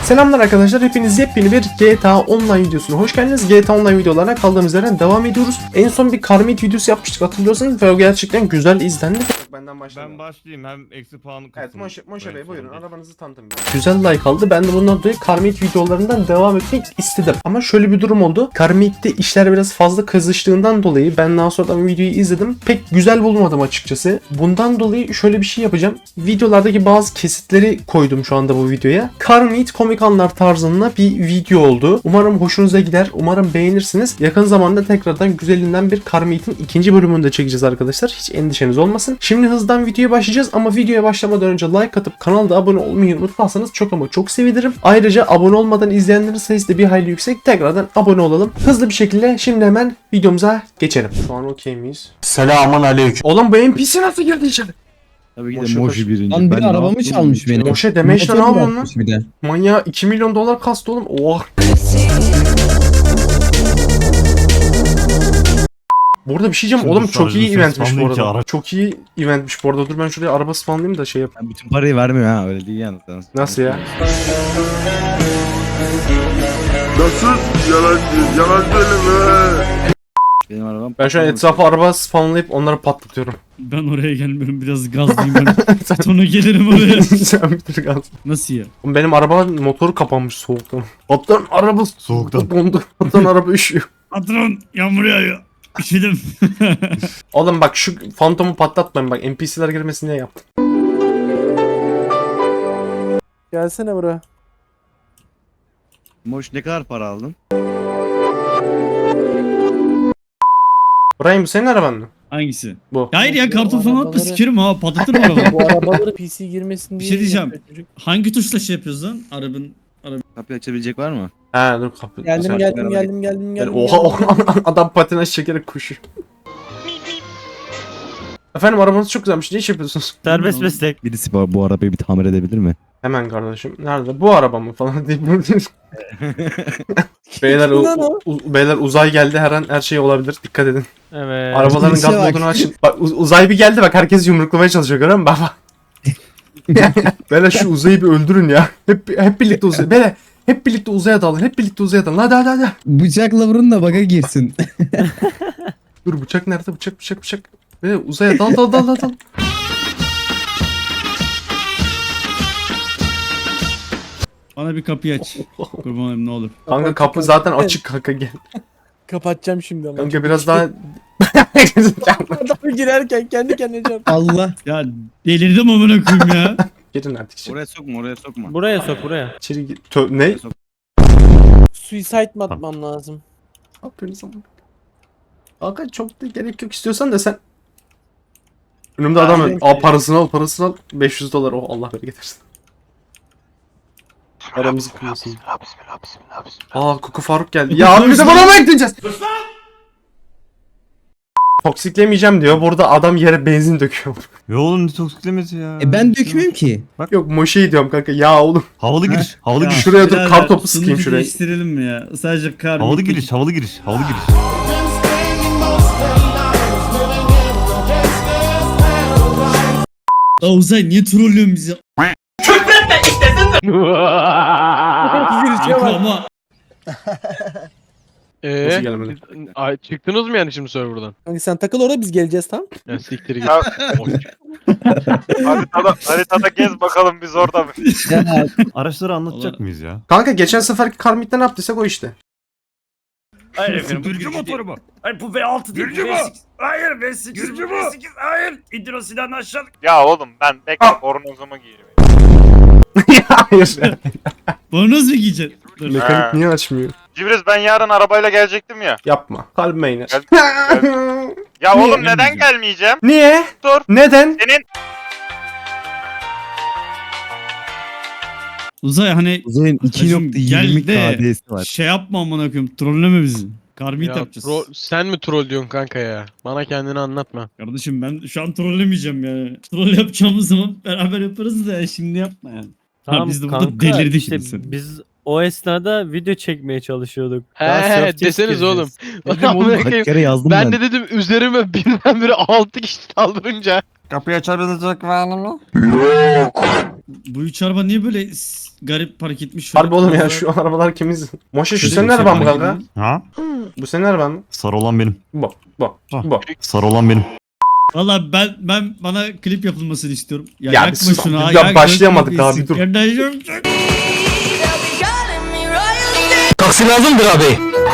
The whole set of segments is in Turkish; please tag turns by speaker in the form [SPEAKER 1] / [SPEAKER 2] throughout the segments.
[SPEAKER 1] Selamlar arkadaşlar, hepiniz yepyeni bir GTA Online videosuna hoş geldiniz. GTA Online videolarına kaldığımız yerden devam ediyoruz. En son bir Karmit videosu yapmıştık, hatırlıyorsanız ve o gerçekten güzel izlendi. Benden
[SPEAKER 2] Ben başlayayım, hem eksi puanı kısmı.
[SPEAKER 1] Evet, Moşe Bey buyurun, arabanızı tanıtın. Güzel like aldı. Ben de bundan dolayı Karmit videolarından devam etmek istedim. Ama şöyle bir durum oldu. Karmit'te işler biraz fazla kızıştığından dolayı ben daha sonradan videoyu izledim. Pek güzel bulmadım açıkçası. Bundan dolayı şöyle bir şey yapacağım. Videolardaki bazı kesitleri koydum şu anda bu videoya. Karmit komik anlar tarzında bir video oldu. Umarım hoşunuza gider. Umarım beğenirsiniz. Yakın zamanda tekrardan güzelinden bir Karmit'in ikinci bölümünü de çekeceğiz arkadaşlar. Hiç endişeniz olmasın. Şimdi hızdan videoya başlayacağız ama videoya başlamadan önce like atıp kanalda abone olmayı unutmazsanız çok ama çok sevinirim. Ayrıca abone olmadan izleyenlerin sayısı da bir hayli yüksek. Tekrardan abone olalım. Hızlı bir şekilde şimdi hemen videomuza geçelim. Şu an okey miyiz?
[SPEAKER 3] Selamun aleyküm.
[SPEAKER 1] Oğlum bu NPC nasıl girdi içeri?
[SPEAKER 2] Tabii ki
[SPEAKER 1] Moşe
[SPEAKER 2] de Moşi birinci.
[SPEAKER 4] Lan biri
[SPEAKER 2] Ben
[SPEAKER 4] arabamı
[SPEAKER 2] ne
[SPEAKER 4] çalmış
[SPEAKER 2] yapayım?
[SPEAKER 4] benim.
[SPEAKER 1] Moşe deme işte, ne
[SPEAKER 4] Motor
[SPEAKER 1] yapıyorsun lan?
[SPEAKER 4] bırakmış bir de.
[SPEAKER 1] Manyağı 2 milyon dolar kastı oğlum. Oha. Burada bir şey diyeceğim.
[SPEAKER 2] Şimdi
[SPEAKER 1] Oğlum çok iyi
[SPEAKER 2] sadece
[SPEAKER 1] eventmiş bu
[SPEAKER 2] spawnlayın ki
[SPEAKER 1] arada.
[SPEAKER 2] ara-
[SPEAKER 1] Çok iyi eventmiş bu arada. Dur ben şuraya araba spawnlayayım da şey yap.
[SPEAKER 2] Ben bütün parayı vermiyor ha, öyle değil yani.
[SPEAKER 1] Nasıl ya?
[SPEAKER 3] Nasıl? Yalan söyleme.
[SPEAKER 2] Benim arabam.
[SPEAKER 1] Ben şu an etrafa araba spawnlayıp onları patlatıyorum.
[SPEAKER 5] Ben oraya gelmiyorum, biraz gazlayayım ben. Sonra gelirim oraya.
[SPEAKER 1] Sen bitir gaz.
[SPEAKER 5] Nasıl ya?
[SPEAKER 1] Oğlum benim araba motoru kapanmış soğuktan. Patron araba
[SPEAKER 2] Soğuktan.
[SPEAKER 1] dondu. Patron araba üşüyor.
[SPEAKER 5] Patron, yağmur yağıyor. Üşüdüm.
[SPEAKER 1] Oğlum bak şu fantomu patlatmayın bak, NPC'ler girmesin diye yaptım.
[SPEAKER 6] Gelsene buraya.
[SPEAKER 2] Moş, ne kadar para aldın?
[SPEAKER 1] Brian bu senin araban mı?
[SPEAKER 5] Hangisi?
[SPEAKER 1] Bu.
[SPEAKER 5] Hayır ya, karton falan atma,
[SPEAKER 6] Arabaları-
[SPEAKER 5] sikerim ha, patlatırım arabayı.
[SPEAKER 6] Bu arabaları PC girmesin
[SPEAKER 5] Bir
[SPEAKER 6] diye.
[SPEAKER 5] şey diyeceğim.
[SPEAKER 6] yapıyor çocuk.
[SPEAKER 5] Hangi tuşla şey yapıyoruz lan? Arabanın.
[SPEAKER 2] Kapıyı açabilecek var mı?
[SPEAKER 1] He dur kapı.
[SPEAKER 6] Geldim
[SPEAKER 1] Sen-
[SPEAKER 6] geldim
[SPEAKER 2] araba-
[SPEAKER 6] geldim.
[SPEAKER 1] Oha adam patinaj çekerek koşuyor. Efendim arabanız çok güzelmiş. Ne iş yapıyorsunuz?
[SPEAKER 5] Serbest
[SPEAKER 2] meslek. Birisi bu arabayı bir tamir edebilir mi?
[SPEAKER 1] Hemen kardeşim. Nerede? Bu araba mı falan deyip beyler,
[SPEAKER 6] Lan o.
[SPEAKER 1] beyler uzay geldi, her an her şey olabilir. Dikkat edin.
[SPEAKER 5] Evet.
[SPEAKER 1] Arabaların
[SPEAKER 4] İşe
[SPEAKER 1] gaz
[SPEAKER 4] bak.
[SPEAKER 1] modunu açın. Bak uzay bir geldi, bak herkes yumruklamaya çalışıyor, görüyor musun baba? Beyler şu uzayı bir öldürün ya. Hep birlikte uzay. Beyler hep birlikte uzaya dalın. Hep birlikte uzaya dalın. Hadi.
[SPEAKER 4] Bıçakla vurun da baga girsin.
[SPEAKER 1] Dur bıçak nerede? Bıçak. Beyler uzaya dal.
[SPEAKER 5] Bana bir kapıyı aç. Kurban olayım, ne olur.
[SPEAKER 1] Kanka kapı zaten açık kanka, gel.
[SPEAKER 6] Kapatacağım şimdi ama.
[SPEAKER 1] Kanka biraz daha...
[SPEAKER 6] Adam girerken kendi kendine can.
[SPEAKER 4] Allah.
[SPEAKER 5] Ya delirdim amına koyayım ya.
[SPEAKER 1] Girin artık içeri.
[SPEAKER 2] Oraya sokma.
[SPEAKER 7] Buraya sok buraya.
[SPEAKER 1] İçeri gir. Ne?
[SPEAKER 6] Suicide mi atmam lazım?
[SPEAKER 1] Ne yapıyorsunuz ama? Kanka çok da gerek yok, istiyorsan da sen. Önümde adam var. Al parasını al. 500 dolar. Oh Allah bereket versin. Aramızı kırmasın. Aa Kuku Faruk geldi. Ya abi bize bana mı ekleyeceğiz? Toksiklemeyeceğim diyor. Burada adam yere benzin döküyor.
[SPEAKER 2] Ya oğlum, ne toksiklemesi ya.
[SPEAKER 4] Ben dökmüyorum ki.
[SPEAKER 1] Yok Moşe'yi diyorum kanka. Ya oğlum.
[SPEAKER 2] Havalı giriş. Havalı
[SPEAKER 5] Ya,
[SPEAKER 2] giriş.
[SPEAKER 1] Şuraya dur,
[SPEAKER 5] birader,
[SPEAKER 1] kartopu sıkayım
[SPEAKER 5] sunucu
[SPEAKER 1] şuraya.
[SPEAKER 5] değiştirelim mi ya? Sadece kar.
[SPEAKER 2] Havalı giriş. Havalı giriş.
[SPEAKER 5] Ya Uzay, niye trollüyorsun bizi?
[SPEAKER 6] Girişe
[SPEAKER 5] Kanka
[SPEAKER 6] bak.
[SPEAKER 5] ama
[SPEAKER 1] Nasıl gelemedi?
[SPEAKER 7] Ay, çıktınız mı yani şimdi serverdan?
[SPEAKER 6] Kanka sen takıl orada, biz geleceğiz tamam.
[SPEAKER 7] Ya siktir git.
[SPEAKER 8] Haritada gez bakalım biz orada mı?
[SPEAKER 4] Ya,
[SPEAKER 2] Araçları anlatacak
[SPEAKER 5] Allah.
[SPEAKER 2] mıyız ya?
[SPEAKER 1] Kanka geçen seferki Karmit'te ne yaptıysak o işte.
[SPEAKER 9] Hayır efendim.
[SPEAKER 2] Gürcü motoru mu?
[SPEAKER 9] Hayır bu V6 değil.
[SPEAKER 8] Gürcü mü?
[SPEAKER 9] V8. Hayır V8.
[SPEAKER 8] Gürcü mü?
[SPEAKER 9] V8 hayır. İdrosi'den aşağı.
[SPEAKER 8] Ya oğlum ben bekle bornozumu giyeyim.
[SPEAKER 1] Hayır.
[SPEAKER 5] bornoz mu giyeceksin? Dur.
[SPEAKER 1] Mekanik
[SPEAKER 8] Ha.
[SPEAKER 1] niye açmıyor?
[SPEAKER 8] Cibriz ben yarın arabayla gelecektim ya.
[SPEAKER 1] Yapma. Kalbime iner.
[SPEAKER 8] Ya
[SPEAKER 1] Niye?
[SPEAKER 8] oğlum neden gelmeyeceğim?
[SPEAKER 1] Niye?
[SPEAKER 8] Dur.
[SPEAKER 1] Neden?
[SPEAKER 8] Senin
[SPEAKER 5] Uzay hani
[SPEAKER 2] Uzay'ın
[SPEAKER 5] Kardeşim,
[SPEAKER 2] 2.20
[SPEAKER 5] gel de
[SPEAKER 2] KD'si var.
[SPEAKER 5] şey yapma amına koyayım, trolleme bizi. Karmit
[SPEAKER 7] Ya,
[SPEAKER 5] yapacağız.
[SPEAKER 7] sen mi troll diyorsun kanka ya? Bana kendini anlatma.
[SPEAKER 5] Kardeşim ben şu an trollemeyeceğim ya. Troll yapacağımız zaman beraber yaparız da şimdi yapma yani.
[SPEAKER 10] Tamam
[SPEAKER 5] biz de burada
[SPEAKER 10] kanka,
[SPEAKER 5] delirdik
[SPEAKER 10] işte
[SPEAKER 5] biz.
[SPEAKER 10] biz o esnada video çekmeye çalışıyorduk.
[SPEAKER 7] He
[SPEAKER 10] Daha
[SPEAKER 7] he
[SPEAKER 10] surf
[SPEAKER 7] deseniz
[SPEAKER 10] test
[SPEAKER 7] oğlum.
[SPEAKER 10] gireceğiz.
[SPEAKER 7] Amına koyayım.
[SPEAKER 2] Kaç kere yazdım
[SPEAKER 7] Ben de dedim üzerime birdenbire 6 kişi saldırınca.
[SPEAKER 2] Kapıyı açabilecek var mı?
[SPEAKER 5] Bu üç araba niye böyle garip park etmiş?
[SPEAKER 1] Harbi oğlum ya şu arabalar kimiz? Moşe şu senin araban mı kanka?
[SPEAKER 2] Ha?
[SPEAKER 1] Bu senin araban mı?
[SPEAKER 2] Sarı olan benim.
[SPEAKER 1] Bu.
[SPEAKER 2] Ha.
[SPEAKER 1] Bu.
[SPEAKER 2] Sarı olan benim.
[SPEAKER 5] Valla ben bana klip yapılmasını istiyorum. Ya,
[SPEAKER 1] Ya
[SPEAKER 5] yakma
[SPEAKER 1] bir sus-
[SPEAKER 5] şunu ha.
[SPEAKER 1] ya başlayamadık daha, bir dur.
[SPEAKER 5] Kardeşim.
[SPEAKER 3] Taksi lazımdır abi.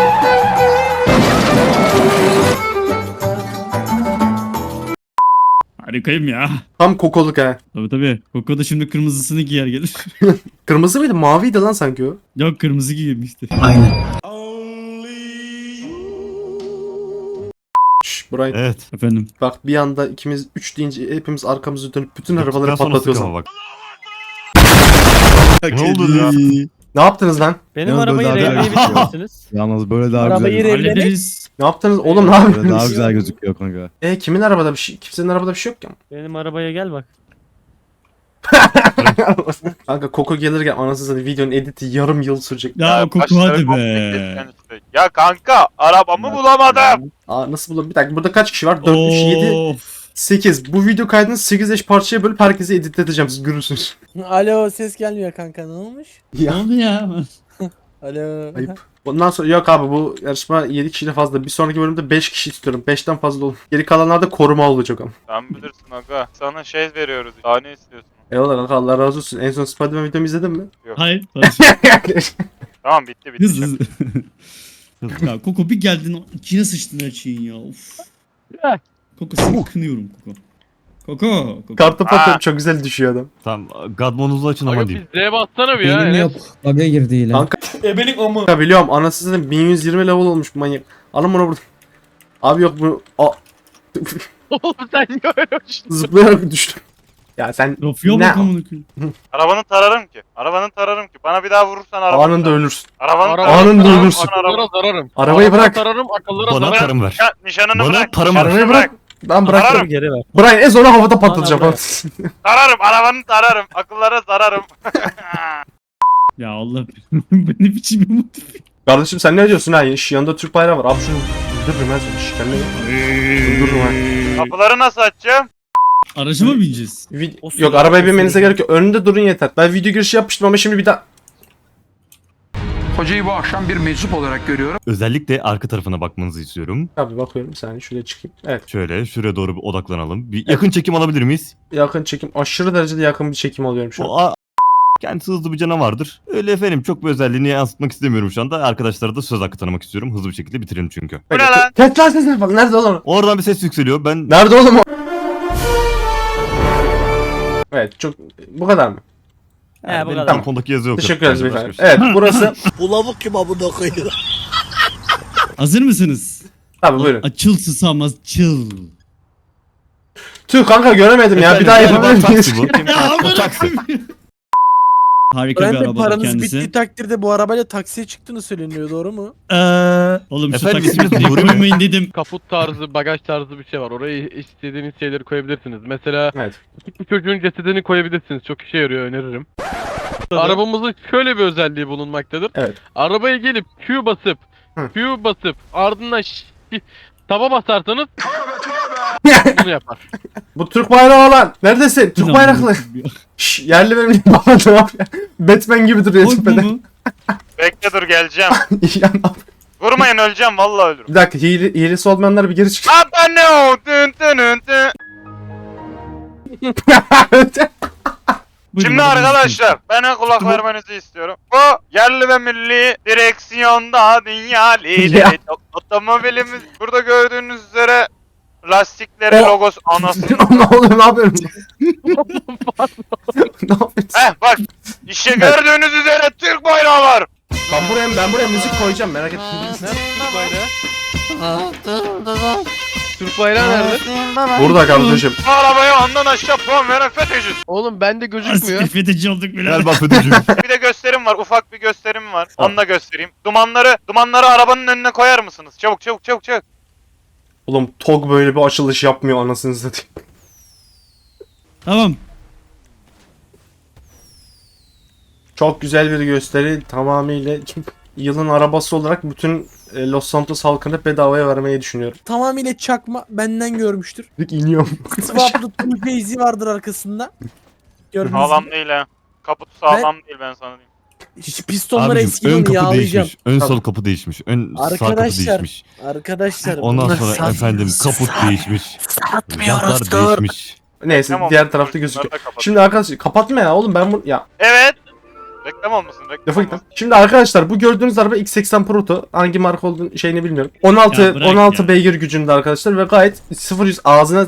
[SPEAKER 5] Harikayım ya.
[SPEAKER 1] Tam kokoluk ha.
[SPEAKER 5] Tabii. Koko da şimdi kırmızısını giyer gelir.
[SPEAKER 1] Kırmızı mıydı? Maviydi lan sanki o.
[SPEAKER 5] Yok kırmızı giymişti.
[SPEAKER 1] Şşş Brian.
[SPEAKER 2] Evet.
[SPEAKER 5] Efendim.
[SPEAKER 1] Bak bir anda ikimiz 3 deyince hepimiz arkamızı dönüp bütün arabaları
[SPEAKER 2] Yaptıktan sonra
[SPEAKER 1] patlatıyoruz.
[SPEAKER 2] sıkama bak. Ne oldu ya?
[SPEAKER 1] Ne yaptınız lan?
[SPEAKER 10] Benim
[SPEAKER 4] Yalnız
[SPEAKER 10] arabayı
[SPEAKER 4] böyle daha
[SPEAKER 10] revleyebilir misiniz?
[SPEAKER 4] Yalnız böyle daha
[SPEAKER 6] Arabayı
[SPEAKER 4] güzel.
[SPEAKER 5] Hallederiz.
[SPEAKER 1] Ne yaptınız? Oğlum ne
[SPEAKER 4] Böyle daha
[SPEAKER 1] yapıyorsunuz?
[SPEAKER 4] güzel gözüküyor kanka.
[SPEAKER 1] Kimin arabada bir şey? Kimsenin arabada bir şey yok ya.
[SPEAKER 10] Benim arabaya gel bak.
[SPEAKER 1] Kanka Koko gelirken anasını satayım videonun editi yarım yıl sürecek.
[SPEAKER 5] Ya Koko
[SPEAKER 8] başları
[SPEAKER 5] hadi
[SPEAKER 8] komple
[SPEAKER 5] be.
[SPEAKER 8] kesken işte. Ya kanka arabamı bulamadım.
[SPEAKER 1] Aa nasıl bulalım? Bir dakika burada kaç kişi var? 4, 3, 7,
[SPEAKER 5] Of.
[SPEAKER 1] 8. Bu video kaydını 8 eş parçaya bölüp herkese editleteceğim. Siz görürsünüz.
[SPEAKER 6] Alo ses gelmiyor kanka ne olmuş?
[SPEAKER 5] Ne
[SPEAKER 1] Ya
[SPEAKER 5] oldu ya?
[SPEAKER 6] Alo.
[SPEAKER 1] ayıp. Bundan sonra yok abi bu yarışma 7 kişiyle fazla. Bir sonraki bölümde 5 kişi istiyorum. 5'ten fazla olur. Geri kalanlar da koruma olacak ama.
[SPEAKER 8] Sen bilirsin aga. Sana şey veriyoruz. Daha ne istiyorsun?
[SPEAKER 1] Eyvallah kanka Allah razı olsun. En son Spider-Man videomu izledin mi?
[SPEAKER 5] Hayır.
[SPEAKER 8] Tamam bitti.
[SPEAKER 5] Hızlı hızlı. Ya Koko bir geldin içine sıçtın her şeyin ya. Of. Koko seni kınıyorum Koko. Koko.
[SPEAKER 1] Kartı patıyorum çok güzel düşüyor adam.
[SPEAKER 2] Tamam. Godmonuzu açın ama
[SPEAKER 7] Aga
[SPEAKER 2] diyeyim.
[SPEAKER 7] bir Z bassana bir ya.
[SPEAKER 4] Benim
[SPEAKER 7] Enes.
[SPEAKER 4] yok. Bug'a girdi yine.
[SPEAKER 1] Kanka. Kanka biliyorum anasını satayım 1120 level olmuş bu manyak. Alın bunu burada. Abi yok bu.
[SPEAKER 7] Oğlum sen niye öyle uçtun?
[SPEAKER 1] Zıplayarak düştüm. Ya sen
[SPEAKER 5] Rafya
[SPEAKER 1] ne?
[SPEAKER 5] bak amına koyayım.
[SPEAKER 8] Arabanı tararım ki. Arabanı tararım ki. Bana bir daha vurursan arabanı
[SPEAKER 1] Anında
[SPEAKER 8] tararım.
[SPEAKER 1] ölürsün.
[SPEAKER 8] Arabanı
[SPEAKER 7] Araba-
[SPEAKER 8] tararım.
[SPEAKER 1] Anında
[SPEAKER 8] Arabanı
[SPEAKER 1] ölürsün.
[SPEAKER 8] tararım.
[SPEAKER 7] Akıllara zararım.
[SPEAKER 1] Arabayı
[SPEAKER 7] Arabana
[SPEAKER 1] bırak.
[SPEAKER 7] tararım, akıllara
[SPEAKER 2] Bana
[SPEAKER 7] zararım.
[SPEAKER 2] tarım ver.
[SPEAKER 8] Ya, nişanını
[SPEAKER 2] Bana
[SPEAKER 8] bırak.
[SPEAKER 2] tarım ver.
[SPEAKER 1] Arabayı bırak. Ben bırak.
[SPEAKER 8] Tararım.
[SPEAKER 10] Geri ver.
[SPEAKER 1] Brian ez onu havada patlatacağım.
[SPEAKER 10] Bana
[SPEAKER 8] Tararım. Arabanı tararım. Akıllara zararım.
[SPEAKER 5] Ya Allah bu ne biçim bir motiv.
[SPEAKER 1] Kardeşim sen ne diyorsun ha? Şu yanında Türk bayrağı var. Abi şunu öldürürüm ben seni. Şikenle. Öldürürüm ha.
[SPEAKER 8] Kapıları nasıl açacağım?
[SPEAKER 5] Araca mı bineceğiz?
[SPEAKER 1] Yok arabaya binmenize gerek yok. Önünde durun yeter. Ben video girişi yapmıştım ama şimdi bir daha.
[SPEAKER 3] Hocayı bu akşam bir meczup olarak görüyorum.
[SPEAKER 2] Özellikle arka tarafına bakmanızı istiyorum.
[SPEAKER 1] Abi bakıyorum bir saniye şuraya çıkayım. Evet.
[SPEAKER 2] Şöyle şuraya doğru bir odaklanalım. Bir yakın çekim alabilir miyiz?
[SPEAKER 1] Yakın çekim. Aşırı derecede yakın bir çekim alıyorum şu an.
[SPEAKER 2] O kendisi hızlı bir canavardır. Öyle efendim çok bir özelliğini yansıtmak istemiyorum şu anda. Arkadaşlara da söz hakkı tanımak istiyorum. Hızlı bir şekilde bitirelim çünkü.
[SPEAKER 8] Bu ne lan?
[SPEAKER 1] Tesla sesine bak. Nerede oğlum?
[SPEAKER 2] Oradan bir ses yükseliyor. Ben
[SPEAKER 1] Nerede oğlum o? Evet çok bu kadar mı?
[SPEAKER 10] He bu
[SPEAKER 2] benim
[SPEAKER 10] kadar.
[SPEAKER 2] telefondaki yazı yok.
[SPEAKER 1] Teşekkür ederiz
[SPEAKER 2] Başka
[SPEAKER 1] beyefendi.
[SPEAKER 2] bir şey.
[SPEAKER 1] Evet burası.
[SPEAKER 5] Hazır mısınız?
[SPEAKER 1] Tabii buyurun.
[SPEAKER 5] Açıl susamaz çıl.
[SPEAKER 1] Tüh kanka göremedim ya. Bir daha
[SPEAKER 2] Efendim,
[SPEAKER 1] yapabilir miyiz?
[SPEAKER 2] taksi bu. Bu taksi.
[SPEAKER 5] Harika bir
[SPEAKER 6] Brandon
[SPEAKER 5] arabadır
[SPEAKER 6] paranız
[SPEAKER 5] kendisi.
[SPEAKER 6] bittiği takdirde bu arabayla taksiye çıktığını söyleniyor doğru mu?
[SPEAKER 5] Oğlum şu
[SPEAKER 2] Efendim,
[SPEAKER 5] taksiyi
[SPEAKER 2] isminiz Nuri mi?
[SPEAKER 5] koymayın dedim.
[SPEAKER 7] Kaput tarzı, bagaj tarzı bir şey var. Oraya istediğiniz şeyleri koyabilirsiniz. Mesela
[SPEAKER 1] Evet.
[SPEAKER 7] küçük bir çocuğun cesedini koyabilirsiniz. Çok işe yarıyor, öneririm. Arabamızın şöyle bir özelliği bulunmaktadır.
[SPEAKER 1] Evet.
[SPEAKER 7] Arabaya gelip Q basıp,
[SPEAKER 1] Hı.
[SPEAKER 7] Q basıp ardından taba basarsanız bunu yapar.
[SPEAKER 1] Bu Türk bayrağı olan. Neredesin? Türk bayraklı. Şşş yerli benim baba ne yapıyor? Batman gibi duruyor
[SPEAKER 5] Korkma
[SPEAKER 1] tepede.
[SPEAKER 5] mı?
[SPEAKER 8] Bekle dur geleceğim.
[SPEAKER 1] Ya ne yapıyor?
[SPEAKER 8] Vurmayın öleceğim vallahi ölürüm.
[SPEAKER 1] Bir dakika hilesi olmayanlar bir geri çık.
[SPEAKER 8] Abone ol. Dın dın dın dın.
[SPEAKER 5] Buyurun,
[SPEAKER 8] Şimdi
[SPEAKER 5] arabanızı
[SPEAKER 8] arkadaşlar bana kulak vermenizi istiyorum. Bu yerli ve milli direksiyonda dünya lideri.
[SPEAKER 1] Ya.
[SPEAKER 8] Otomobilimiz burada gördüğünüz üzere lastikleri
[SPEAKER 1] O-
[SPEAKER 8] logosu anası.
[SPEAKER 1] ne oluyor ne yapıyorum? Ne yapıyorsun?
[SPEAKER 8] Bak işte gördüğünüz üzere Türk bayrağı var.
[SPEAKER 1] Ben buraya müzik koyacağım merak etme.
[SPEAKER 7] Türk bayrağı. Türk bayrağı nerede?
[SPEAKER 1] Burada kardeşim.
[SPEAKER 8] Bu arabaya ondan aşağı puan veren FETÖ'cüsün.
[SPEAKER 7] Oğlum bende
[SPEAKER 5] Asker
[SPEAKER 7] gözükmüyor.
[SPEAKER 5] FETÖ'cü olduk bile.
[SPEAKER 2] Gel bak FETÖ'cü.
[SPEAKER 8] Bir de gösterim var. Ufak bir gösterim var. Onu da göstereyim. Dumanları arabanın önüne koyar mısınız? Çabuk.
[SPEAKER 1] Oğlum TOG böyle bir açılış yapmıyor anasını satayım.
[SPEAKER 5] Tamam.
[SPEAKER 1] Çok güzel bir gösteri tamamıyla yılın arabası olarak bütün Los Santos halkını bedavaya vermeyi düşünüyorum.
[SPEAKER 6] Tamamıyla çakma benden görmüştür.
[SPEAKER 1] İniyorum.
[SPEAKER 6] Swaplı Tuğbe izi vardır arkasında. Gördünüz mü?
[SPEAKER 8] Sağlam değil ha. Kaputu sağlam değil ben sana diyeyim.
[SPEAKER 6] Hiç pistonlar
[SPEAKER 2] Abicim
[SPEAKER 6] eski
[SPEAKER 2] ön
[SPEAKER 6] onu
[SPEAKER 2] kapı
[SPEAKER 6] yağlayacağım.
[SPEAKER 2] değişmiş. Ön sol
[SPEAKER 1] Tamam.
[SPEAKER 2] kapı değişmiş. Ön sağ kapı
[SPEAKER 6] Arkadaşlar,
[SPEAKER 2] değişmiş.
[SPEAKER 6] Arkadaşlar.
[SPEAKER 2] Ondan
[SPEAKER 6] bunlar
[SPEAKER 2] sonra
[SPEAKER 6] sat-
[SPEAKER 2] efendim kaput değişmiş.
[SPEAKER 6] Satmıyoruz
[SPEAKER 2] Jantlar
[SPEAKER 6] dur.
[SPEAKER 2] değişmiş.
[SPEAKER 1] Neyse
[SPEAKER 8] Reklam
[SPEAKER 1] diğer
[SPEAKER 8] olmasın,
[SPEAKER 1] tarafta
[SPEAKER 8] bunları
[SPEAKER 1] gözüküyor.
[SPEAKER 8] da kapat.
[SPEAKER 1] Şimdi arkadaşlar kapatma ya oğlum ben bunu ya
[SPEAKER 8] Evet. Reklam olmasın reklam
[SPEAKER 1] lafa gittim.
[SPEAKER 8] olmasın.
[SPEAKER 1] Şimdi arkadaşlar bu gördüğünüz araba X80 Proto. Hangi marka olduğunu şeyini bilmiyorum.
[SPEAKER 5] Ya
[SPEAKER 1] 16
[SPEAKER 5] bırak
[SPEAKER 1] 16
[SPEAKER 5] ya.
[SPEAKER 1] beygir gücünde arkadaşlar ve gayet 0-100 ağzına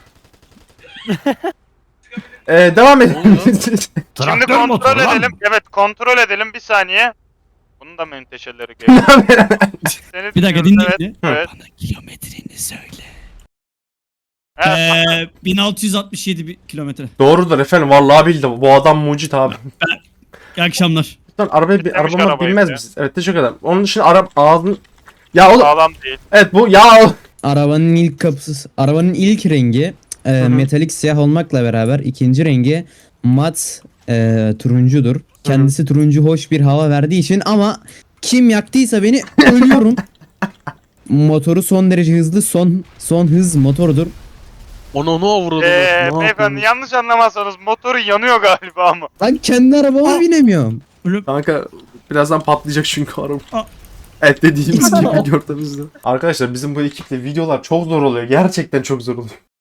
[SPEAKER 1] devam edelim.
[SPEAKER 8] Şimdi
[SPEAKER 2] Traktör
[SPEAKER 8] kontrol
[SPEAKER 2] motoru lan.
[SPEAKER 8] edelim. Evet kontrol edelim bir saniye. Bunun da menteşeleri geliyor. Seni
[SPEAKER 5] Bir dakika
[SPEAKER 8] dinliyoruz,
[SPEAKER 5] dinleyin.
[SPEAKER 8] Evet.
[SPEAKER 5] Bana kilometreni söyle.
[SPEAKER 8] Evet.
[SPEAKER 5] 1667 kilometre.
[SPEAKER 1] Doğrudur efendim vallahi bildim. Bu adam mucit abi.
[SPEAKER 5] İyi akşamlar.
[SPEAKER 1] Lütfen arabaya
[SPEAKER 8] Demiş
[SPEAKER 1] arabama
[SPEAKER 8] arabayı
[SPEAKER 1] binmez
[SPEAKER 8] ya.
[SPEAKER 1] misiniz? Evet teşekkür ederim. Onun için ağzını ya oğlum
[SPEAKER 8] Sağlam değil.
[SPEAKER 1] evet bu ya
[SPEAKER 4] Arabanın ilk kapısı, arabanın ilk rengi
[SPEAKER 1] hı.
[SPEAKER 4] metalik siyah olmakla beraber ikinci rengi mat turuncudur. Kendisi turuncu hoş bir hava verdiği için ama kim yaktıysa beni ölüyorum. Motoru son derece hızlı, son hız motorudur.
[SPEAKER 7] Onu avradınız.
[SPEAKER 8] Beyefendi yanlış anlamazsanız motoru yanıyor galiba ama.
[SPEAKER 4] Ben kendi arabama binemiyorum.
[SPEAKER 1] kanka birazdan patlayacak çünkü araba.
[SPEAKER 5] Aa.
[SPEAKER 1] Evet dediğimiz gibi gördüğünüzde. Arkadaşlar bizim bu ekiple videolar çok zor oluyor. Gerçekten çok zor oluyor.